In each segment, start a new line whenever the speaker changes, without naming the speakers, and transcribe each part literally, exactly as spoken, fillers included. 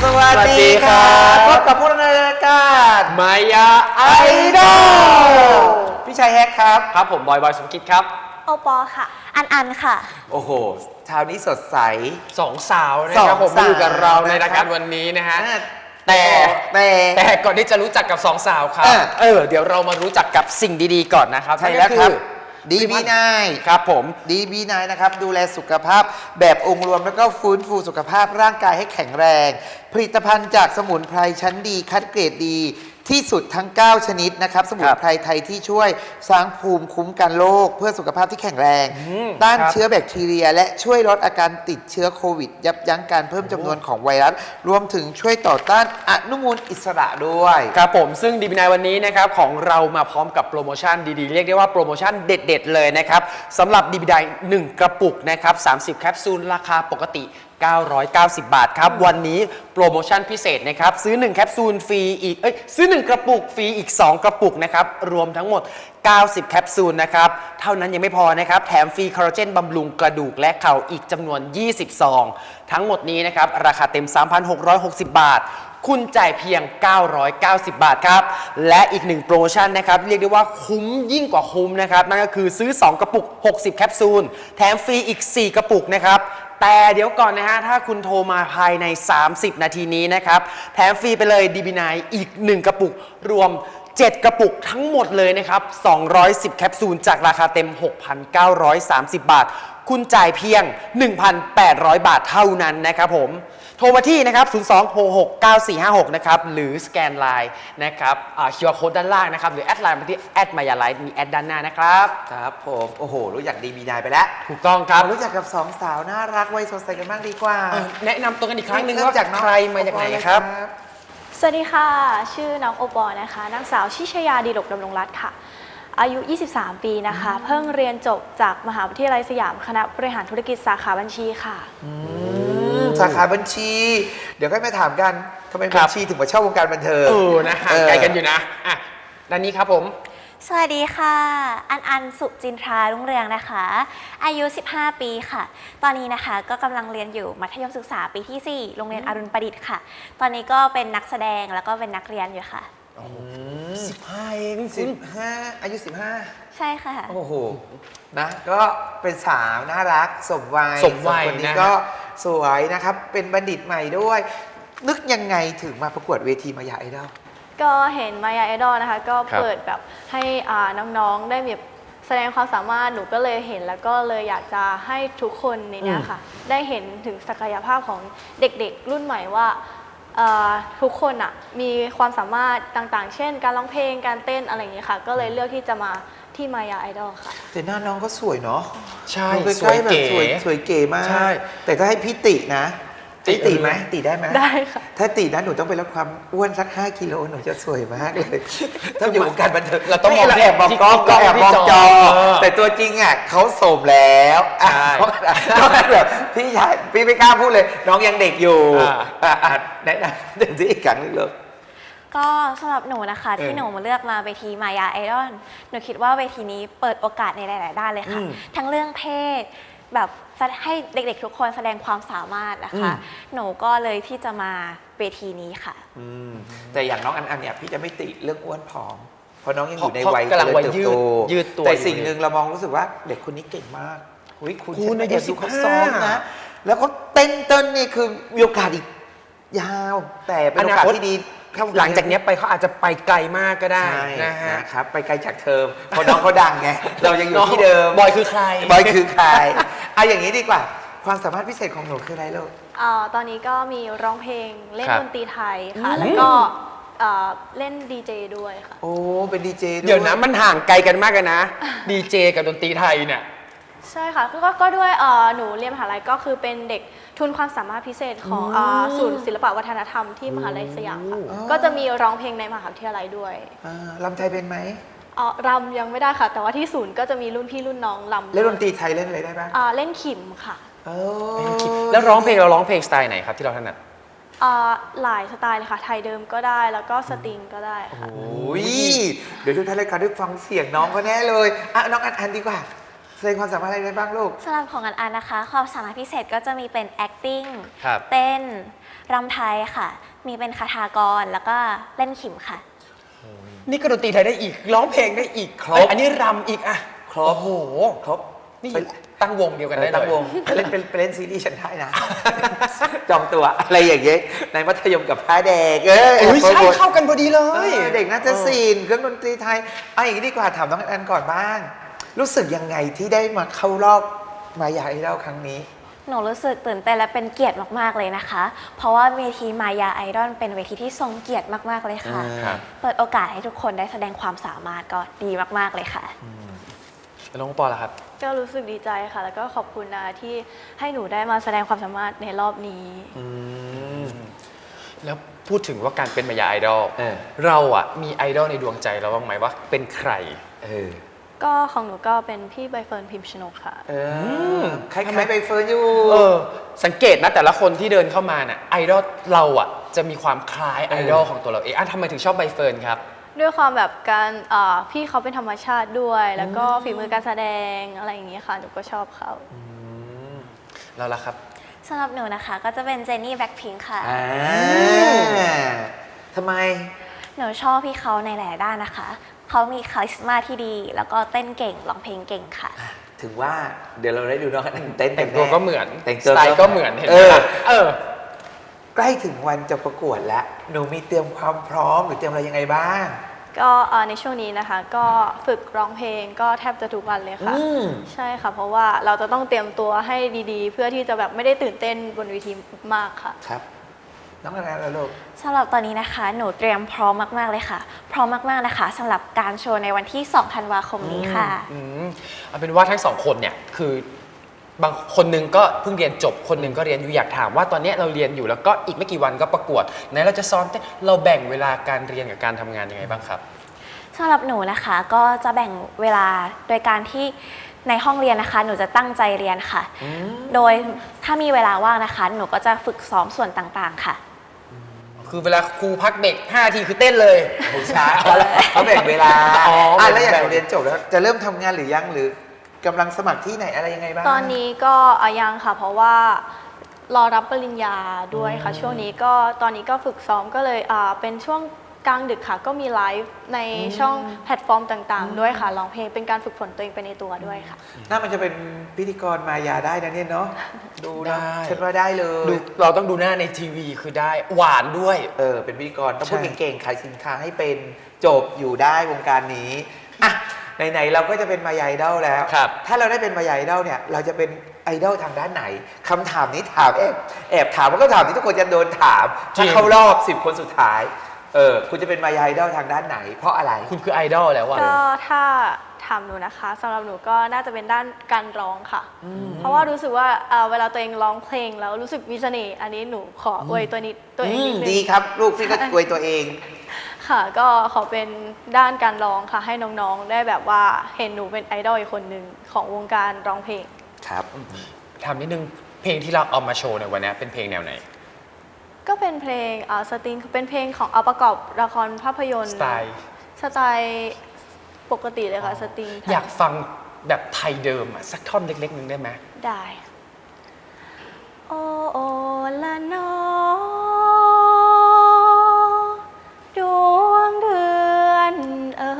วัสดีครับพบกับพวกเราในรายการ
มายาไอ
ดอลพี่ชายแฮกครับ
ครับผมบอยบอยสมคิดครับ
โอปอค่ะอันอันค่ะ
โอ้โหเช้านี้สดใส
สองสาวนะครับผมมาอยู่กับเราในรายการวันนี้นะฮะแต่
แต่
แต่ก่อนที่จะรู้จักกับสองสาวครับเออเดี๋ยวเรามารู้จักกับสิ่งดีๆก่อนนะครับ
ใช่แล้วครับดีบีนาย
ครับผม
ดีบีนายนะครับดูแลสุขภาพแบบองค์รวมแล้วก็ฟื้นฟูสุขภาพร่างกายให้แข็งแรงผลิตภัณฑ์จากสมุนไพรชั้นดีคัดเกรดดีที่สุดทั้งเก้าชนิดนะครับสมุนไพรไทยที่ช่วยสร้างภูมิคุ้มกันโรคเพื่อสุขภาพที่แข็งแรงต้านเชื้อแบคทีเรียและช่วยลดอาการติดเชื้อโควิดยับยั้งการเพิ่มจำนวนของไวรัสรวมถึงช่วยต่อต้านอนุมูลอิสระด้วย
ครับผมซึ่งดีบีนายวันนี้นะครับของเรามาพร้อมกับโปรโมชั่นดีๆเรียกได้ว่าโปรโมชั่นเด็ดๆเลยนะครับสำหรับดีบีนายหนึ่งกระปุกนะครับสามสิบแคปซูลราคาปกติเก้าร้อยเก้าสิบบาทครับวันนี้โปรโมชั่นพิเศษนะครับซื้อหนึ่งแคปซูลฟรีอีกเอ้ยซื้อหนึ่งกระปุกฟรีอีกสองกระปุกนะครับรวมทั้งหมดเก้าสิบแคปซูลนะครับเท่านั้นยังไม่พอนะครับแถมฟรีคอลลาเจนบำรุงกระดูกและเข่าอีกจำนวนยี่สิบซองทั้งหมดนี้นะครับราคาเต็ม สามพันหกร้อยหกสิบบาทคุณจ่ายเพียงเก้าร้อยเก้าสิบบาทครับและอีกหนึ่งโปรโมชั่นนะครับเรียกได้ว่าคุ้มยิ่งกว่าคุ้มนะครับนั่นก็คือซื้อสองกระปุกหกสิบแคปซูลแถมฟรีอีกสี่กระปุกนะครับแต่เดี๋ยวก่อนนะฮะถ้าคุณโทรมาภายในสามสิบนาทีนี้นะครับแถมฟรีไปเลย ดี บี ไนน์ อีกหนึ่งกระปุกรวมเจ็ดกระปุกทั้งหมดเลยนะครับสองร้อยสิบแคปซูลจากราคาเต็ม หกพันเก้าร้อยสามสิบบาทคุณจ่ายเพียง หนึ่งพันแปดร้อยบาทเท่านั้นนะครับผมโทรมาที่นะครับศูนย์ สอง หก หก เก้า สี่ ห้า หกนะครับหรือสแกนไลน์นะครับอ่า คิว อาร์ Code ด้านล่างนะครับหรือแอดไลน์มาที่แอดมายาไลฟ์มีแอดด้านหน้านะครับ
ครับผมโอ้โหรู้จักดีบีนายไปแล้ว
ถูกต้องครับ
รู้จักกับสองสาวน่ารักวัยสดใสกันบ้างดีกว่า
แนะนำตัวกันอีกครั้งหนึ่งว่าจากใครมาจากไหนครับ
สวัสดีค่ะชื่อน้องโอปอนะคะนางสาวชิชยาดีหลกดำรงรัตน์ค่ะอายุยี่สิบสามปีนะคะเพิ่งเรียนจบจากมหาวิทยาลัยสยามคณะบริหารธุรกิจสาขาบัญชีค่ะ
สาขาบัญชีเดี๋ยวค่อยมาถามกันทำไมบัญชีถึงมาเช่าวงการบันเทิง
เออนะห่างไกลกันอยู่นะอ่ะด้านนี้ครับผม
สวัสดีค่ะอันอันสุจินทรารุ่งเรืองนะคะอายุสิบห้าปีค่ะตอนนี้นะคะก็กำลังเรียนอยู่มัธยมศึกษาปีที่สี่โรงเรียนอรุณประดิษฐ์ค่ะตอนนี้ก็เป็นนักแสดงแล้วก็เป็นนักเรียนอยู่ค่ะ
สิบห้าเองสิบห้าอายุสิบห้า
ใช่ค่ะ
โอ้โหนะก็เป็นสาวน่ารักสมวัย
สมวัย
คนนี้ก็สวยนะครับเป็นบัณฑิตใหม่ด้วยนึกยังไงถึงมาประกวดเวทีมายาไอดอล
ก็เห็นมายาไอดอลนะคะก็เปิดแบบให้น้องๆได้แบบแสดงความสามารถหนูก็เลยเห็นแล้วก็เลยอยากจะให้ทุกคนในนี้ค่ะได้เห็นถึงศักยภาพของเด็กๆรุ่นใหม่ว่าทุกคนอ่ะมีความสามารถต่างๆเช่นการร้องเพลงการเต้นอะไรอย่างนี้ค่ะก็เลยเลือกที่จะมาที่มายาไอดอลค่ะ
แต่หน้าน้องก็สวยเนาะ
ใช่
สวยเก๋สวยเก๋มากแต่ถ้าให้พี่ตินะติติไหมติได้ไหม
ได้ค่ะ
ถ้าตินะหนูต้องไปลดความอ้วนสักห้ากิโลหนูจะสวยมากเลยถ้าอยู่วงการบันเทิง
เราต้อง
แอบมองกล้องก็แอบมองจอแต่ตัวจริงอ่ะเขาโสมแล้วน้องแบบพี่ชายพี่ไม่กล้าพูดเลยน้องยังเด็กอยู่อ่าแนะนำเดี๋ยวที่อีกครั้งนึงเลย
ก็สำหรับหนูนะคะที่หนูมาเลือกมาเวทีมายาไอดอลหนูคิดว่าเวทีนี้เปิดโอกาสในหลายๆด้านเลยค่ะทั้งเรื่องเพศแบบให้เด็กๆทุกคนแสดงความสามารถนะคะหนูก็เลยที่จะมาเวทีนี้ค่ะ
แต่อย่างน้องอันอันเนี่ยพี่จะไม่ติเรื่องอ้วนผอมเพราะน้องยังอยู่ในวัยเจริญเติบโต
ยืดตัว
แต่สิ่งหนึ่งเรามองรู้สึกว่าเด็กคนนี้เก่งมากคุณอายุสิบเขาซ้อมนะแล้วเขาเต้นเต้นนี่คือมีโอกาสอีกยาวแต่เป็นโอกาสที่ดี
หลังจากนี้ไปเขาอาจจะไปไกลมากก็ได้นะฮะ
ครับไปไกลจากเทอมเพราะน้องเขาดังไงเรายังอยู่ที่เดิม
บอยคือใคร
บอยคือใครเอาอย่างนี้ดีกว่าความสามารถพิเศษของหนูคืออะไรลูก
อ๋อตอนนี้ก็มีร้องเพลงเล่นดนตรีไทยค่ะแล้วก็เล่นดีเจด้วยค่ะ
โอ้เป็นดีเจด้วย
เดี๋ยวนะมันห่างไกลกันมากกันนะดีเจกับดนตรีไทยเนี่ย
ใช่ค่ะก็ก็ด้วยหนูเรียนมหาลัยก็คือเป็นเด็กทุนความสามารถพิเศษของศูนย์ศิลปวัฒนธรรมที่มหาลัยสยามค่ะก็จะมีร้องเพลงในมหาวิทยาลัยด้วย
รำไทยเป็นไหม
อ๋อรำยังไม่ได้ค่ะแต่ว่าที่ศูนย์ก็จะมีรุ่นพี่รุ่นน้องรำ
เล่นดนตรีไทยเล่นอะไรได้บ้าง
เล่นขิมค่ะ
แล้วร้องเพลงเราร้องเพลงสไตล์ไหนครับที่เราถนัด
หลายสไตล์เลยค่ะไทยเดิมก็ได้แล้วก็สตริงก็ได้ค่ะ
โอ้ยเดี๋ยวทุกท่านรายการได้ฟังเสียงน้องเขาแน่เลยอ่ะน้องอันอันดีกว่าแสดงความสามารถอะไรได้บ้างลูก
สำหรับของอันอันนะคะ ความสามารถพิเศษก็จะมีเป็น acting
ครับ
เต้นรำไทยค่ะ มีเป็นคาถากรแล้วก็เล่นขิมค่ะ
นี่ก็ดนตรีไทยได้อีกร้องเพลงได้อีก
ครบ
เอ้ยอันนี้รำอีกอะ
ครบ
โอ้โห
ครบ
นี่
ไป
ตั้งวงเดียวกันได้เลย
ตั้งวงไปเล่นเป็นไปเล่นซีรีส์ฉันได้นะ จองตัวอะไรอย่างเงี้ยในมัธยมกับพระเด็กเออ
เอ้ยใช่เข้ากันพอดีเล
เอย อเด็กน่าจะศิลป์เครื่องดนตรีไทยเอาอย่างนี้ดีกว่าถามน้องอันก่อนบ้าง รู้สึกยังไงที่ได้มาเข้ารอบมายาไอดอลครั้งนี้
หนูรู้สึกตื่นเต้นและเป็นเกียรติมากๆเลยนะคะ เพราะว่าเวทีมายาไอดอลเป็นเวทีที่ทรงเกียรติมากๆเลยค่ะ
ครับ
เปิดโอกาสให้ทุกคนได้แสดงความสามารถก็ดีมากๆเลยค่ะ
แล้วน้องปอล่ะครับ
ก็รู้สึกดีใจค่ะ แล้วก็ขอบคุณนะที่ให้หนูได้มาแสดงความสามารถในรอบนี้
แล้วพูดถึงว่าการเป็นมายาไอดอล
เออ
เราอะมีไอดอลในดวงใจเราบ้างไหมว่าเป็นใคร
เออ
ก็ของหนูก็เป็นพี่ใบเฟิร์นพิมพ์ชนกค่ะ
เออคล้ายๆใบเฟิร์นอยู่
เออ สังเกตนะแต่ละคนที่เดินเข้ามาน่ะไอดอลเราอะจะมีความคล้ายไอดอลของตัวเราเองอ่ะทำไมถึงชอบใบเฟิร์นครับ
ด้วยความแบบการอ่าพี่เขาเป็นธรรมชาติด้วย แล้วก็ฝีมือการแสดงอะไรอย่างนี้ค่ะ หนูก็ชอบเขา
เราล่ะครับ
สำหรับหนูนะคะ ก็จะเป็นเจนนี่แบ็คพิงค์ค่ะ
อ่าทำไม
หนูชอบพี่เขาในหลายด้านนะคะ เขามีคาลิสมาที่ดี แล้วก็เต้นเก่งร้องเพลงเก่งค่ะ
ถึงว่าเดี๋ยวเราได้ดูน้องอันเต้น
แต่งตัวก็เหมือน
แต่ง
ส
ตัว
ไตล์ก็เหมือนเห็นไห
เอ
ม
อ
ล่ะเออ
ใกล้ถึงวันจะประกวดแล้ว หนูมีเตรียมความพร้อมหรือเตรียมอะไรยังไงบ้าง
ก็อ่าในช่วงนี้นะคะ ก็ฝึกร้องเพลงก็แทบจะทุกวันเลยค่ะ
อืม
ใช่ค่ะ เพราะว่าเราจะต้องเตรียมตัวให้ดีๆ เพื่อที่จะแบบไม่ได้ตื่นเต้นบนเวทีมากค่ะ
ครับ น้องอะไรแล้วลูก
สำหรับตอนนี้นะคะ หนูเตรียมพร้อมมากๆเลยค่ะ พร้อมมากๆนะคะสำหรับการโชว์ในวันที่ สอง ธันวาคมนี้ค่ะ
อืมเอาเป็นว่าทั้งสองคนเนี่ยคือบางคนหนึงก็เพิ่งเรียนจบคนหนึงก็เรียนอยู่อยากถามว่าตอนนี้เราเรียนอยู่แล้วก็อีกไม่กี่วันก็ประกวดไหนเราจะซ้อมเต้นเราแบ่งเวลาการเรียนกับการทำงานยังไงบ้างครับ
สำหรับหนูนะคะก็จะแบ่งเวลาโดยการที่ในห้องเรียนนะคะ หนูจะตั้งใจเรียนค่ะ โดยถ้ามีเวลาว่างนะคะ หนูก็จะฝึกซ้อมส่วนต่างๆค่ะ
คือเวลาครูพักเบรกห้านาทีคือเต้นเลย
ไม่ใช่เขาแบ่งเวลา
อ๋ออ่
อ่ะแล้วอย่าง
แบ่ง
เราเรียนจบแล้ว จะเริ่มทำงานหรือยังหรือกำลังสมัครที่ไหนอะไรยังไงบ้าง
ตอนนี้ก็อ่ะยังค่ะ เพราะว่ารอรับปริญญาด้วยค่ะ ช่วงนี้ก็ตอนนี้ก็ฝึกซ้อมก็เลยอ่าเป็นช่วงกลางดึกค่ะ ก็มีไลฟ์ในช่องแพลตฟอร์มต่างๆ ด้วยค่ะร้องเพลงเป็นการฝึกฝนตัวเองไปในตัวด้วยค่ะ
น่ามันจะเป็นพิธีกรมายาได้นะเนี่ยเนาะ ดูนะ
ได้
ฉันว่าได้เล
ดู
ย
เราต้องดูหน้าในทีวีคือได้หวานด้วย
เออ เป็นพิธีกรต้องพูด
ใช่
เก่งๆ ขายสินค้าให้เป็นจบอยู่ได้วงการนี้ อ่ะ ไหนๆ เราก็จะเป็นมายาไอดอลแล้ว
ครับ
ถ้าเราได้เป็นมายาไอดอลเนี่ย เราจะเป็นไอดอลทางด้านไหน คำถามนี้ถามแอบแอบถามว่าก็ถามที่ทุกคนจะโดนถาม ถ้าเข้ารอบสิบคนสุดท้าย เออ คุณจะเป็นมายาไอดอลทางด้านไหน เพราะอะไร
คุณคือไอดอลแล้วอะ
ก็ถ้าถามหนูนะคะสำหรับหนูก็น่าจะเป็นด้านการร้องค่ะ เพราะว่ารู้สึกว่าอ่าเวลาตัวเองร้องเพลงแล้วรู้สึกมีเสน่ห์อันนี้หนูขออวยตัวนี้ตัวเองนิดนึ
ดี
ง
ครับ ลูกพี่ก็กวยตัวเอง
ค่ะ ก็ขอเป็นด้านการร้องค่ะ ให้น้องๆ ได้แบบว่าเห็นหนูเป็นไอดอลอีกคนหนึ่งของวงการร้องเพลง
ครับ
ถามนิดนึงเพลงที่เราเอามาโชว์ในวันนี้เป็นเพลงแนวไหน
ก็เป็นเพลงอ่าสตริงเป็นเพลงของเอาประกอบละครภาพยนตร์
สไตล์
สไตล์ปกติเลยค่ะสตริงไทย
อยากฟังแบบไทยเดิมอะสักท่อนเล็กๆนึงได้ไหม
ได้ โอโอละนอดวงเดือนเอ่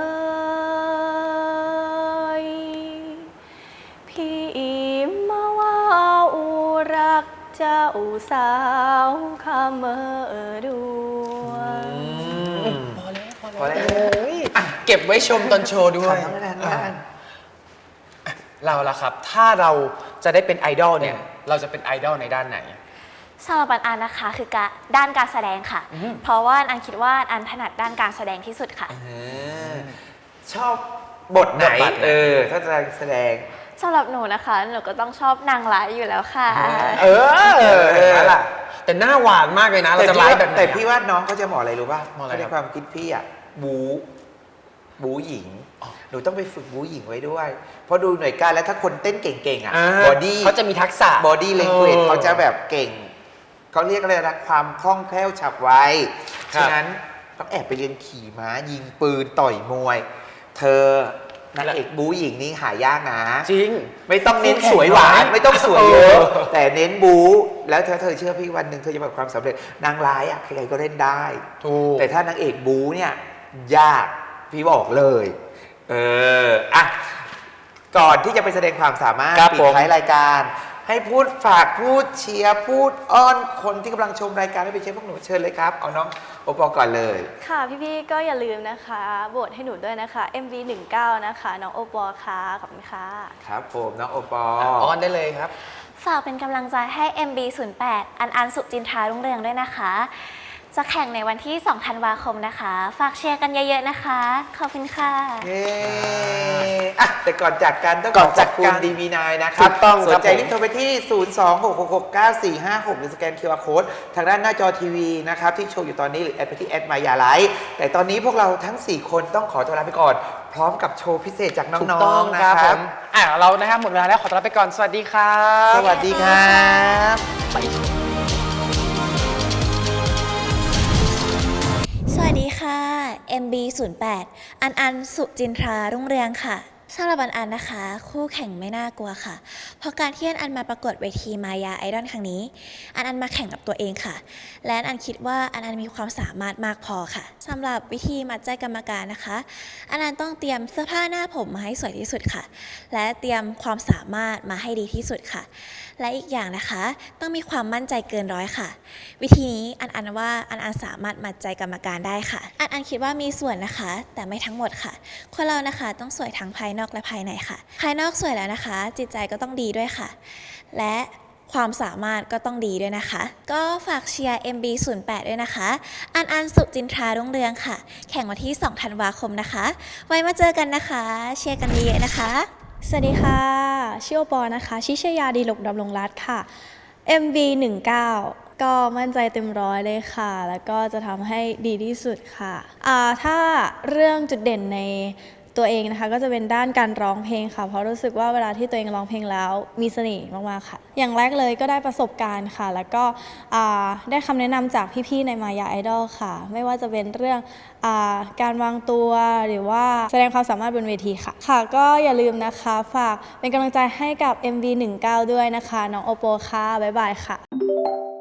ยพี่มาว่าอุรักเจ้าสาวคำเมอดวง
พอแล้วพอ
พอแล้ว
โอ้ยเก็บไว้ชมตอนโชว์ด้ว
ถาย มน้องแนนบ้าง
เราล่ะครับ ถ้าเราจะได้เป็นไอดอลเนี่ย เราจะเป็นไอดอลในด้านไหน
สำหรับอันอันนะคะคือการด้านการแสดงค่ะ
อืม
เพราะว่าอันคิดว่าอันถนัดด้านการแสดงที่สุดค่ะ
เออชอบบทไหน
บทบาทไหน
เออ ถ้าจะแสดง
สำหรับหนูนะคะ หนูก็ต้องชอบนางร้ายอยู่แล้วค่ะ
เออ
เออ
เห็นไหมล่ะแต่หน้าหวานมากเลยนะ เรา
แต่
จะ
พี่
ไล
ว่า
ฟ์แบบไหน
แต่
อะ
พี่ว่าน้องเขาจะเหมาะอะไรรู้ป่ะ
เหมาะอะไร
ใน
ครับ
ความคิดพี่อ่ะบูบูหญิง หนูต้องไปฝึกบูหญิงไว้ด้วย เพราะดูหน่วยการแล้วถ้าคนเต้นเก่งๆอ่ะ
อ่า
บอดี้
เขาจะมีทักษะ
บอดี้เลงเกจ
ออ
เขาจะแบบเก่ง เขาเรียกอะไรนะความคล่องแคล่วฉับไว
ครับ
ฉะนั้นต้องแอบไปเรียนขี่ม้ายิงปืนต่อยมวย เธอนางเอกบูหญิงนี่หายากนะ
จริง
ไม่ต้องเน้นสวยหวานไม่ต้องสวยเยอะ แต่เน้นบูแล้วเธอเธอเชื่อพี่วันหนึ่งเธอจะประสบความสำเร็จนางร้ายอ่ะใครๆก็เล่นได้
ถูก
แต่ถ้านางเอกบูเนี่ยยากพี่บอกเลย เอออ่ะก่อนที่จะไปแสดงความสามารถ
ครับ
ปิด
ผม
ท้ายรายการ ให้พูดฝากพูดเชียร์พูดอ้อนคนที่กำลังชมรายการให้ไปเชียร์พวกหนูเชิญเลยครับเอาน้องโอปอก่อนเลย
ค่ะพี่ๆก็อย่าลืมนะคะโหวตให้หนูด้วยนะคะ เอ็ม วี หนึ่งเก้านะคะน้องโอปอล์ค่ะขอบคุณค่ะ
ครับผมน้องโอปอ
ออนได้เลยครับ
ฝากเป็นกำลังใจให้ เอ็ม บี ศูนย์ แปด อันอันสุจินทรารุ่งเรืองด้วยนะคะ จะแข่งในวันที่ สอง ธันวาคมนะคะ ฝากเชียร์กันเยอะๆนะคะ ขอบคุณค่ะ
เย้อ่ะแต่ก่อนจากกันต้อง
ก่อน
ขอบคุณ
จากกัน
ดี วี ไนน์ นะครับ
ถูกต้องครับ
สนใจ
ผม
รีบโทรไปที่ ศูนย์ สอง หก หก หก เก้า สี่ ห้า หก หรือสแกน คิว อาร์ Code ทางด้านหน้าจอทีวีนะครับที่โชว์อยู่ตอนนี้หรือแอดไปที่แอดมายาไลฟ์แต่ตอนนี้พวกเราทั้ง สี่ คนต้องขอตัวลาไปก่อน พร้อมกับโชว์พิเศษจากน้
ถูก
อ
ต้อง ง
ๆนะ
ค
ค
รั
รั
บบ ผมอ่ะเรานะครับหมดเวลาแล้วขอตัวลาไปก่อนสวัสดีครับ
สวัสดีครับ
สวัสดีค่ะ เอ็ม บี ศูนย์ แปด อันอันสุจินทรารุ่งเรืองค่ะสำหรับอันอันนะคะ คู่แข่งไม่น่ากลัวค่ะ เพราะการที่อันอันมาประกวดเวทีมายาไอดอลครั้งนี้ อันอันมาแข่งกับตัวเองค่ะ และอันอันคิดว่าอันอันมีความสามารถมากพอค่ะสำหรับวิธีมัดใจกรรมการนะคะ อันอันต้องเตรียมเสื้อผ้าหน้าผมมาให้สวยที่สุดค่ะ และเตรียมความสามารถมาให้ดีที่สุดค่ะ และอีกอย่างนะคะ ต้องมีความมั่นใจเกินร้อยค่ะ วิธีนี้อันอันว่าอันอันสามารถมัดใจกรรมการได้ค่ะ อันอันคิดว่ามีส่วนนะคะ แต่ไม่ทั้งหมดค่ะ คนเรานะคะต้องสวยทั้งภายนอกและภายในค่ะ ภายนอกสวยแล้วนะคะ จิตใจก็ต้องดีด้วยค่ะ และความสามารถก็ต้องดีด้วยนะคะ ก็ฝากเชียร์ เอ็ม บี ศูนย์ แปด ด้วยนะคะ อันอันสุจินทรารุ่งเรืองค่ะ แข่งวันที่ สอง ธันวาคมนะคะ ไว้มาเจอกันนะคะ เชียร์กันเยอะๆนะคะ
สวัสดีค่ะชื่อโอปอนะคะ ชิชยาดีหลกดำรงรัตน์ค่ะ เอ็ม วี หนึ่งเก้า ก็มั่นใจเต็มร้อยเลยค่ะ แล้วก็จะทำให้ดีที่สุดค่ะอ่าถ้าเรื่องจุดเด่นในตัวเองนะคะ ก็จะเป็นด้านการร้องเพลงค่ะ เพราะรู้สึกว่าเวลาที่ตัวเองร้องเพลงแล้วมีเสน่ห์มากๆค่ะ อย่างแรกเลยก็ได้ประสบการณ์ค่ะ แล้วก็อ่าได้คำแนะนำจากพี่ๆในมายาไอดอลค่ะ ไม่ว่าจะเป็นเรื่องอาการวางตัวหรือว่าแสดงความสามารถบนเวทีค่ะ ค่ะก็อย่าลืมนะคะฝากเป็นกำลังใจให้กับ เอ็ม วี หนึ่งเก้า ด้วยนะคะ น้องโอโปค่ะ บ๊ายบายค่ะ